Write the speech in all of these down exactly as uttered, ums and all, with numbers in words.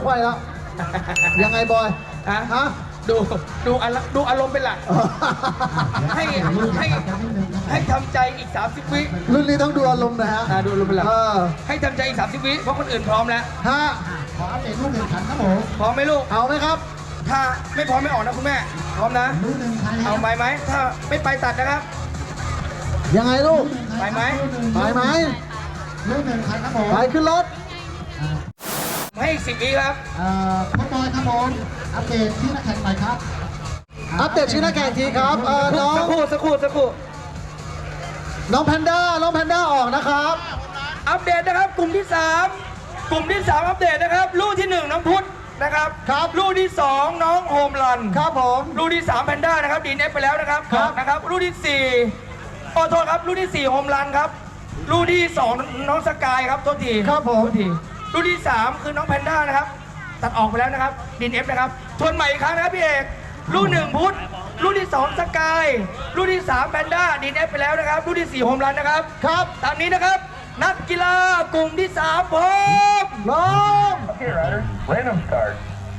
ไขว้แล้ว ยังไงบอยฮะฮะดูดูอารดูอารมณ์เป็นหลัก ให้ให้ให้ทำใจอีกสามสิบวิรุ่นนี้ต้องดูอารมณ์นะฮะอ่าดูอารมณ์เป็นหลักเออให้ทำใจอีกสามสิบวิเพราะคนอื่นพร้อมแล้วฮะขออัปเดตลูกแข่งขันครับผมพร้อมไหมลูกเอาไหมครับถ้าไม่พร้อมไม่ออกนะคุณแม่พร้อมนะลูกหนึ่งไปแล้วเอาไปไหมถ้าไม่ไปตัดนะครับยังไงลูกไปไหมไปไหมลูกหนึ่งคันครับผมไปขึ้นรถให้อีกสิบวิครับเอ่อพ่อบอยครับผมอัปเดตที่นักแข่งหน่อยครับอัปเดตชื่อนักแข่งทีครับเออน้องสักครู่สักครู่สักครู่น้องแพนด้า น้องแพนด้าออกนะครับอัปเดตนะครับกลุ่มที่สามกลุ่มที่สามอัปเดตนะครับลูกที่หนึ่งน้องพุทธนะครับครับลูกที่สองน้องโฮมรันครับผมลูกที่สามแพนด้านะครับดีเอฟไปแล้วนะครับครับนะครับลูกที่สี่ขอโทษครับลูกที่สี่โฮมรันครับลูกที่สองน้องสกายครับโทษทีครับผมโทษทีลูกที่สามคือน้องแพนด้านะครับตัดออกไปแล้วนะครับดีเอฟนะครับทวนใหม่อีกครั้งนะครับพี่เอกลูกหนึ่งพุทธลูกที่สองสกายลูกที่สามแพนด้าดีเอฟไปแล้วนะครับลูกที่สี่โฮมรันนะครับครับตามนี้นะครับนักกีฬากลุ่มที่สามพร้อมพร้อม Okay, riders, random start.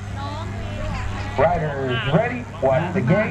Riders ready, watch the gate.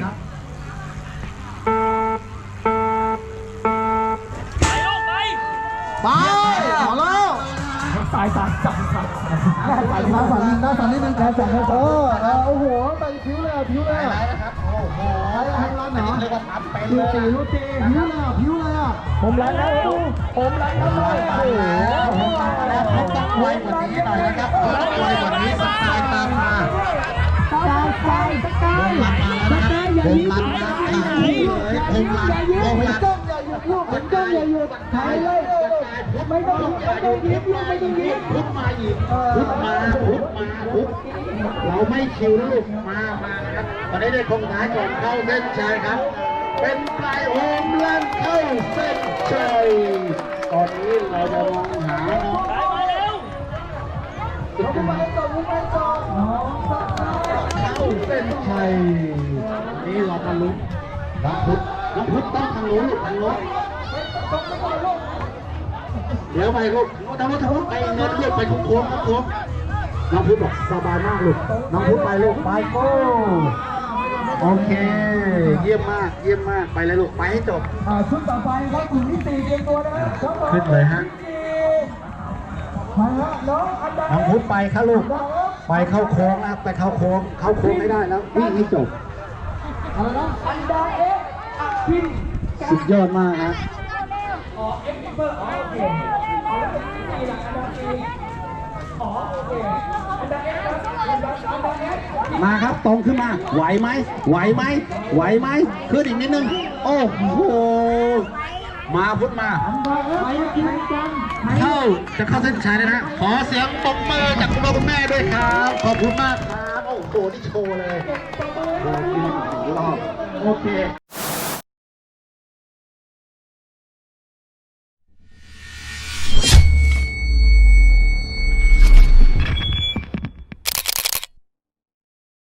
ไปเอาแล้วสายสายสายสายหน้าสั่นหน้าสั่นหน้าสั่นนิดนึงหน้าสั่นเออเออโอ้โหไปผิวเลยอ่ะผิวเลยอ่ะนะครับโอ้โหไปทางร้านเหรอเรียกว่าทำเป็นลูเลกยตีลูกตีผิวเลยอ่ะผิวเลยอ่ะผมรันแล้วดูผมรันแล้วด้วยโอ้โหแล้วเขาต้องไวกว่านี้หน่อยนะครับต้องไวกว่านี้สกายตามมาสกายสกายสกายผมรันมาแล้วนะครับผมรันนะขาดที่เลยผมรันผมเหมือนรันกล้องอย่าหยุดลูกเหมือนกล้องอย่าหยุดถ่ายเลยไม่ต้องไม่ต้องยิ้มลูกไม่ต้องยิ้มพุทธมาอีกพุทธมาพุทธมาพุทธเราไม่ชิวลูกมามานะครับตอนนี้ได้คงท้ายก่อนเข้าเส้นชัยครับ เป็นปลายโฮมลันเข้าเส้นชัยตอนนี้เราจะมองหาน้องเข้าเส้นชัยนี่เรามาลุ้นน้องพุทธน้องพุทธต้องทางนู้นลูกทางนู้นเดี๋ยวไปลูกทางนู้นทางนู้นไปเงินลูกไปโค้งๆโค้งๆน้องพุทธบอกสบายมากลูกน้องพุทธไปลูกไปโก้โอเคเยี่ยมมากเยี่ยมมากไปเลยลูกไปให้จบชุดต่อไปครับกลุ่มที่สี่เตรียมตัวนะครับขึ้นเลยฮะมาฮะน้องอันดาน้องพุทธไปครับลูกไปเข้าโค้งนะไปเข้าโค้งเข้าโค้งไม่ได้แล้ววิ่งให้จบอะไรนะอันดาเอ๊ะพินสุดยอดมากนะอ๋อเอ็กซ์เบอร์อ๋อโอเคอ๋อแล้วเป็นที่สี่หลักอันดับสี่อ๋อโอเคอันดับเอ็กซ์ครับอันดับอันดับเอ็กซ์มาครับตรงขึ้นมาไหวไหมไหวไหมไหวไหมขึ้นอีกนิดนึงโอ้โหมาพุทธมาไปกินกันเข้าจะเข้าเส้นชัยแล้วนะขอเสียงปรบมือจากคุณพ่อคุณแม่ด้วยครับขอบคุณมากครับโอ้โหนี่โชว์เลยโอ้โหรอบโอเค